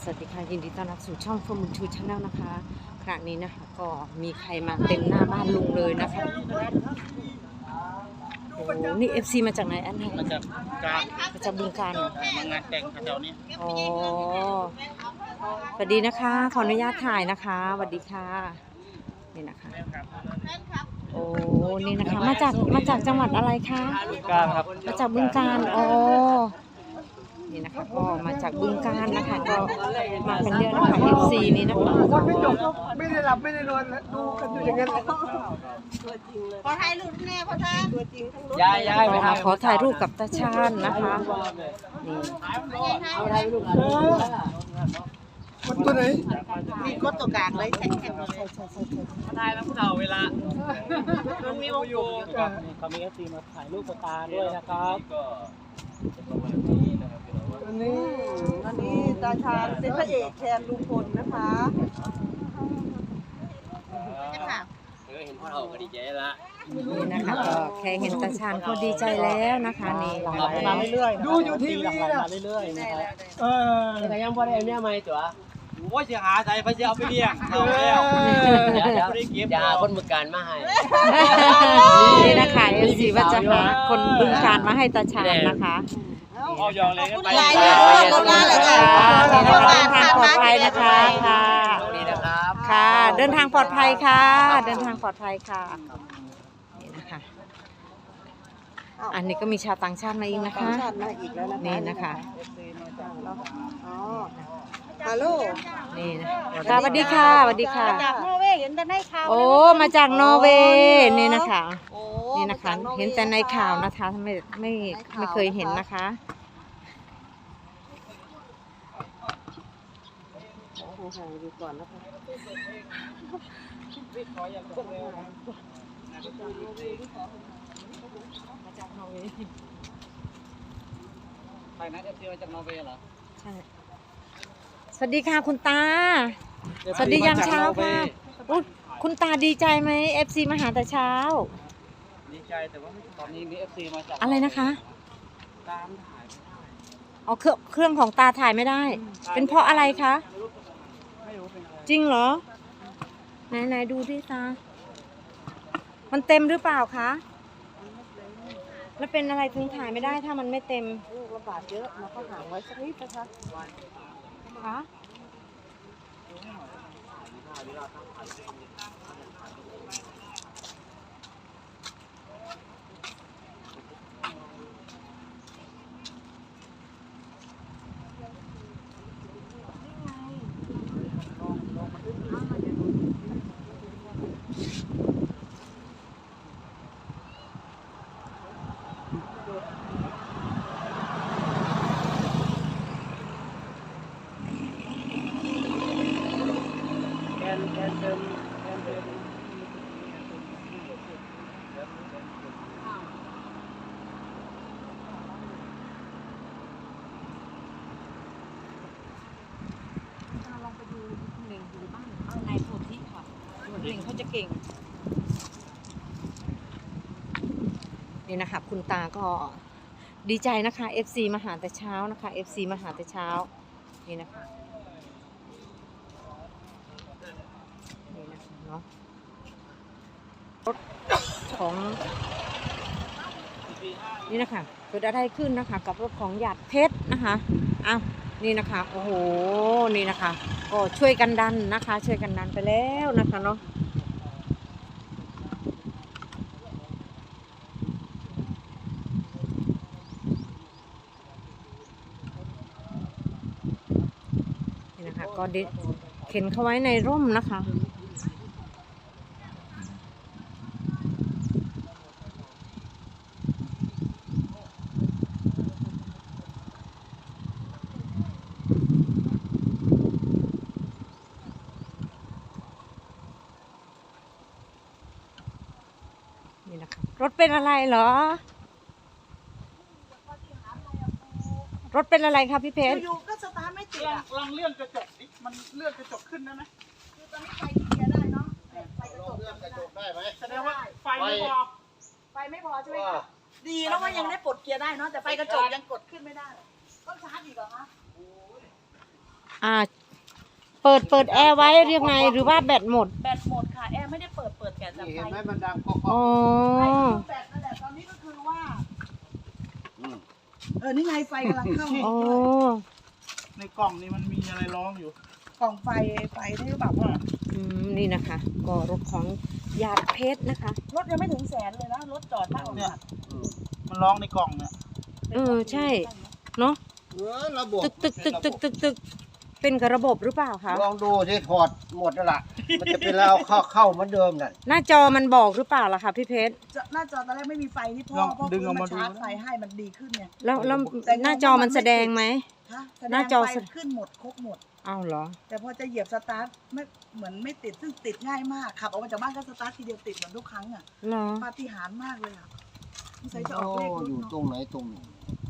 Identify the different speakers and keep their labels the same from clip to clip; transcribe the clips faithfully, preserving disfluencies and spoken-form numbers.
Speaker 1: สวัสดีค่ะยินดีต้อนรับสู่ช่อง From To Channel นะคะครั้งนี้นะคะก็มีใครมาเต็มหน้าบ้านลุงเลยนะคะโอ้นี่ เอฟ ซี มาจากไหนอันไหน
Speaker 2: มาจากการ
Speaker 1: มาจากบึงกาฬเหรอ
Speaker 2: มางานแต่งแถวนี้
Speaker 1: อ๋อสวัสดีนะคะขออนุญาตถ่ายนะคะสวัสดีค่ะนี่นะคะโอ้นี่นะคะมาจากมาจากจังหวัดอะไรคะ
Speaker 2: บึงกาฬครับ
Speaker 1: มาจากบึงกาฬอ๋อนี่นะคะก็มาจากบึงกาฬนะคะก็มากันเยอะนะคะ เอฟ ซี นี่นะคะ
Speaker 3: คนไม่จบก็ไม่ได้หลับไม่ได้นอนดูกันอยู่อย่างนั้น
Speaker 4: ขอถ่ายรูปแน่พ่อท่านตัวจริงทั้งรถ
Speaker 2: ย้ายย้ายไป
Speaker 1: ขอถ่ายรูปกับตาชาญนะคะนี่
Speaker 4: เอาถ่ายรูป
Speaker 3: มันตัวไหน
Speaker 4: มีกดตัวกลางเลยแข็งแข็งเลย
Speaker 2: ถ่ายแล้วพวกเราเวลามันมีวงอยู่เขามีเอฟซีมาถ่ายรูปกับตาด้วยนะครับก็ประมาณนี้นะครับ
Speaker 3: อันนี้
Speaker 4: อันนี้ตาชาญเป็นพระเอกแทนลุงพลนะคะค่ะ
Speaker 2: เออเห็นพ่อเราก็ดีใจละ
Speaker 1: นี่นะคะก็แค่เห็นตาชาญก็ดีใจแล้วนะคะนี่
Speaker 2: มาเรื่อยๆ
Speaker 3: ดูอยู่ทีวี
Speaker 2: มา
Speaker 3: นะ
Speaker 2: เรื่อยๆนะครับ
Speaker 3: เออ
Speaker 2: แต่ยังพอได้เนี่ยไหมจ๋าโอ้ยจะหาใส่พระเจ้าไปเลี้ยงเอาแล้ว อย่าหาคนบึงการมาให้
Speaker 1: นี่นะคะ เอฟ ซี ว่าจะหาคนบึงการมาให้ตาชาญนะคะ
Speaker 2: เอายองเลยกันไป
Speaker 4: ลายเลยรถมาเลยค่ะ
Speaker 1: นี่นะคะเดินทางปลอดภัยนะคะค่ะ
Speaker 2: นี่นะครับ
Speaker 1: ค่ะ เดินทางปลอดภัยค่ะ เดินทางปลอดภัยค่ะนี่นะคะอันนี้ก็มีชาวต่างชาติมาอีกนะคะ
Speaker 4: ชาติมาอีกแล้วนะคะ
Speaker 1: นี่นะคะ
Speaker 4: อ๋อฮัลโหล
Speaker 1: นี่นะค่ะสวัสดีค่ะสวัสดีค่ะ
Speaker 4: จากนอร์เวย์เห็นแต่ในข่าว
Speaker 1: โอ้มาจากนอร์เวย์นี่นะคะ
Speaker 4: โอ้
Speaker 1: นี่นะคะ เห็นแต่ในข่าวนะคะไม่ไม่ไม่เคยเห็นนะคะ
Speaker 4: ห่างๆดูก่อนนะคะ
Speaker 1: มาจากนอร์เวย์
Speaker 2: ใครนะเอฟซีมาจากนอร์เวย์เหรอ
Speaker 1: ใช่สวัสดีค่ะคุณตา สวัสดียามเช้าค่ะอุ๊ยคุณตาดีใจไหม เอฟ ซี มาหาแต่เช้า
Speaker 2: ดีใจแต่ว่าตอนนี้มีเอฟซีมาจาก
Speaker 1: อะไรนะคะ
Speaker 2: ตามถ่าย
Speaker 1: เอาเครื่องเครื่องของตาถ่ายไม่ได้ เป็นเพราะอะไรคะ
Speaker 2: ไม่รู้เป็นอะไร
Speaker 1: จริงเหรอ ไหนไหนดูที่ตา มันเต็มหรือเปล่าคะ แล้วเป็นอะไรถึงถ่ายไม่ได้ถ้ามันไม่เต็ม
Speaker 4: ลูกระบาดเยอะเราก็ห่างไว้สักนิดนะคะ
Speaker 1: คะ
Speaker 2: แกนแกนเติมแกนเติม
Speaker 1: ลองไปดูหนึ่งอยู่บ้านในโพธิค่ะหนึ่งเขาจะเก่ง นี่นะคะคุณตาก็ดีใจนะคะ เอฟ ซี มาหาแต่เช้านะคะ เอฟ ซี มาหาแต่เช้า นี่นะคะนี่นะคะเนาะรถของนี่นะคะเกิดอะไรขึ้นนะคะกับรถของหยาดเพชรนะคะอ้าวนี่นะคะโอ้โหนี่นะคะก็ช่วยกันดันนะคะ ช่วยกันดันไปแล้วนะคะเนาะนี่นะคะก็ดิเข็นเข้าไว้ในร่มนะคะนี่นะคะรถเป็นอะไรเหรอ รถเป็นอะไรคะพี่เพชร
Speaker 4: อยู่ๆก็สตาร์ทไม่ติด
Speaker 3: ลอง
Speaker 4: อ่ะ
Speaker 3: ลองเลื่อนกระจกดิมันเลื่อนกระจกขึ้นได้ไหม
Speaker 4: คือตอนนี้ไฟที่เกียร์ได้เนาะไฟกระจก
Speaker 3: เลื่อนกระจก
Speaker 4: ได้
Speaker 3: ได้ไหมแสดงว่าไฟไม่พอ
Speaker 4: ไฟไม่พอใช่ไหมคะดีแล้วว่ายังได้ปลดเกียร์ได้เนาะแต่ไฟกระจกยังกดขึ้นไม่ได้ต้องชาร์จอีกเหรอคะ
Speaker 1: อ่า เปิดเปิดแอร์ไว้เรียกไงหรือว่าแบตหมด
Speaker 4: แบตหมดค่ะแอร์ไม่ได้เปิดเปิดแต่แต่
Speaker 3: นี่
Speaker 4: ไฟ
Speaker 3: เห็นไหมมันดังก็
Speaker 1: อ๋อ
Speaker 4: ไฟคือแบตนั่นแหละตอนนี้ก็คือว่าเออนี่ไงไฟกำลังเข้า
Speaker 1: อ๋อ
Speaker 2: ในกล่องนี้มันมีอะไรร้องอยู่
Speaker 4: กล่องไฟไฟได้หรือเปล่าพ่อ
Speaker 1: อืมนี่นะคะ ก็รถของหยาดเพชรนะคะ
Speaker 4: รถยังไม่ถึงแสนเลยนะรถจอดหน้าโรงงาน
Speaker 2: มันร้องในกล่องเนี่ย
Speaker 1: เออใช่เนาะ
Speaker 3: เออระบบ
Speaker 1: ตึกตึกตึกตึกตึกตึกเป็นกับระบบหรือเปล่าคะ
Speaker 3: ลองดูที่ถอดหมดแล้วล่ะมันจะเป็นแล้วเข้าเข้าเหมือนเดิมนั่น
Speaker 1: หน้าจอมันบอกหรือเปล่าล่ะคะพี่เพชร
Speaker 4: จะหน้าจอตอนแรกไม่มีไฟที่พ่อ
Speaker 2: ลอง
Speaker 4: พ่อ
Speaker 2: ดึ
Speaker 4: คื
Speaker 2: ง
Speaker 4: น
Speaker 2: ออก
Speaker 4: มา
Speaker 2: มาดู
Speaker 4: ชาร์จไฟให้มันดีขึ้นเนี่ย
Speaker 1: แล้วแล้ว
Speaker 4: แต่
Speaker 1: หน้าจอมันแสดงไหม
Speaker 4: ฮะแสด
Speaker 1: หน้าง จอ
Speaker 4: ไฟ
Speaker 1: แสดง
Speaker 4: ขึ้นหมดครบหมด
Speaker 1: เอาเหรอ
Speaker 4: แต่พอจะเหยียบสตาร์ทไม่เหมือนไม่ติดซึ่งติดง่ายมากขับออกมาจากบ้านก็สตาร์ททีเดียวติดเหมือนทุกครั้งอ่ะ
Speaker 1: เหรอ
Speaker 4: ปาฏิหาริย์มากเลยอ่ะสงสัยจะอ
Speaker 3: โอ้
Speaker 4: อกเลขรถ
Speaker 3: อยู่
Speaker 4: เนาะ
Speaker 3: ตรงไหนตรงไหน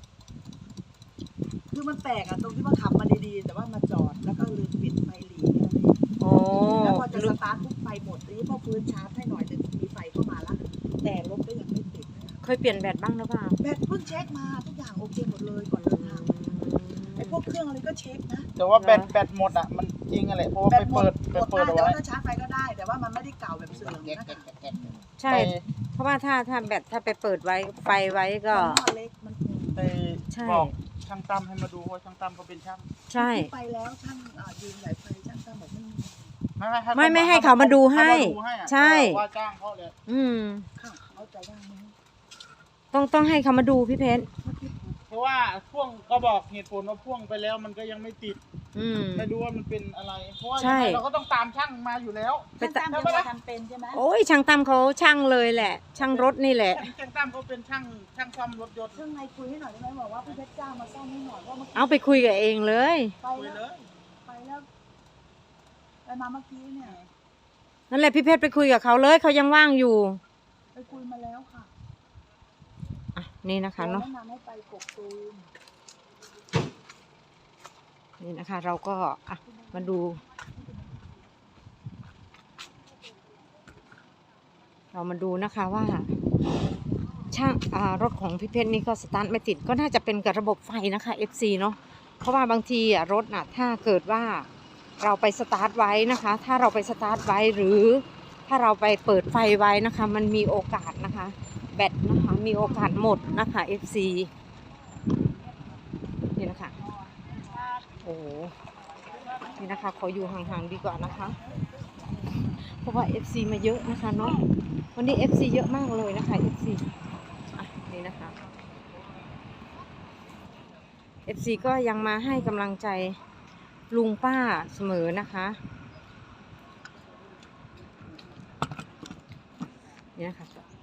Speaker 4: คือมันแปลกอ่ะตรงที่ว่าขับมาดีๆแต่ว่ามาจอดแล้วก็ลืมปิดไฟหลีแค่นั้นเอง
Speaker 1: โอ้
Speaker 4: แล้วพอจะสตาร์ทปุ๊บไฟหมดทีนี้พอฟื้นชาร์จให้หน่อยจะมีไฟเข้ามาแล้วแต่รถก็ยังไม่ติดนะ
Speaker 1: เคยเปลี่ยนแบตบ้างหรือเปล่า
Speaker 4: แบตเพิ่งเช็คมาทุกอย่างโอเคหมดเลยก่อนเดินทางไอ้พวกเครื่องอะไรก็เช็คนะ
Speaker 2: แต่ว่าแบตแบตหมดอ่ะมันจริงอะไรเพราะว่า
Speaker 4: แบ
Speaker 2: ไป
Speaker 4: ตหมด
Speaker 2: เปิด
Speaker 4: ห
Speaker 2: ไป
Speaker 4: มด
Speaker 2: เปิด
Speaker 4: ได้
Speaker 2: เอา
Speaker 4: แต่
Speaker 2: ไว้
Speaker 4: ว่าถ้าชาร์จไฟก็ได้ แต่ว่ามันไม่ได้เก่าแบบเสื่อม
Speaker 3: แก๊ก
Speaker 4: นะ
Speaker 3: แก๊ก
Speaker 4: คะ
Speaker 3: แก๊กแก๊ก
Speaker 1: ใช่ เพราะว่าถ้าถ้าแบตถ้าไปเปิดไว้ไฟไว้ก็
Speaker 4: มันเล็กมัน
Speaker 2: ไป
Speaker 1: ใช่
Speaker 2: บอกช่างตั้มให้มาดูเพราะช่างตั้มเขาเป็นช่าง
Speaker 1: ใช่
Speaker 4: ไปแล้วช่างอ่ายืมสายไฟช่างตั้มบอกไม่มี
Speaker 2: ไม่ไม่
Speaker 1: ไม่ไม่ให้เขามาดูให้
Speaker 2: เขามาดูอะ
Speaker 1: ใช่
Speaker 2: ว่าจ้างเขาเลย
Speaker 1: อืม
Speaker 4: ค่ะเขาจะว่างไหม
Speaker 1: ต้องต้องให้เขามาดูพี่เพชร
Speaker 2: เพราะว่าพ่วงก็บอกเหตุผลว่าพ่วงไปแล้วมันก็ยังไม่ติด
Speaker 1: อืม
Speaker 2: ไม่รู้ว่ามันเป็นอะไรเพราะว่า
Speaker 1: ใช่
Speaker 2: ยังไงเราก็ต้องตามช่างมาอยู่แล้ว
Speaker 1: ไป
Speaker 4: ช่าง
Speaker 1: ตะ
Speaker 4: ตั้มยังไม่ทำเป็นใช่ไหม
Speaker 1: โอ้ยช่างตั้มเขาช่างเลยแหละ ช่างรถนี่แหละ
Speaker 2: ช่างตั้มเขาเป็นช่างช่างซ่อมรถยนต์
Speaker 4: ช่างในคุยให้หน่อยได้ไหมบอกว่าพี่เพชรจ้างมาซ่อมให้หน่อยเพราะเมื่อกี้
Speaker 1: เอาไปคุยกับเองเลย
Speaker 4: ไป
Speaker 2: คุย
Speaker 4: แล้ว
Speaker 2: เลย
Speaker 4: ไปแล้วไปมาเมื่อกี้เนี่ย
Speaker 1: นั่นแหละพี่เพชรไปคุยกับเขาเลยเขายังว่างอยู่
Speaker 4: ไปคุยมาแล้วค่ะ
Speaker 1: อ่ะนี่นะคะเนาะ
Speaker 4: แนะนำให้ไปกกตูม
Speaker 1: นี่นะคะ เราก็อ่ะมาดู เรามาดูนะคะว่า ช่างอ่ารถของพี่เพชรนี่ก็สตาร์ทไม่ติดก็น่าจะเป็นกับระบบไฟนะคะ เอฟ ซี เนาะเพราะว่าบางทีอ่ะรถน่ะถ้าเกิดว่าเราไปสตาร์ทไว้นะคะ ถ้าเราไปสตาร์ทไว้หรือถ้าเราไปเปิดไฟไว้นะคะ มันมีโอกาสนะคะ แบตนะคะมีโอกาสหมดนะคะ เอฟ ซี นี่นะคะโอ้โหนี่นะคะขออยู่ห่างๆดีกว่านะคะ เพราะว่า เอฟ ซี มาเยอะนะคะเนาะวันนี้ เอฟ ซี เยอะมากเลยนะคะ เอฟ ซี อ่ะนี่นะคะ เอฟ ซี ก็ยังมาให้กำลังใจลุงป้าเสมอนะคะนี่นะคะ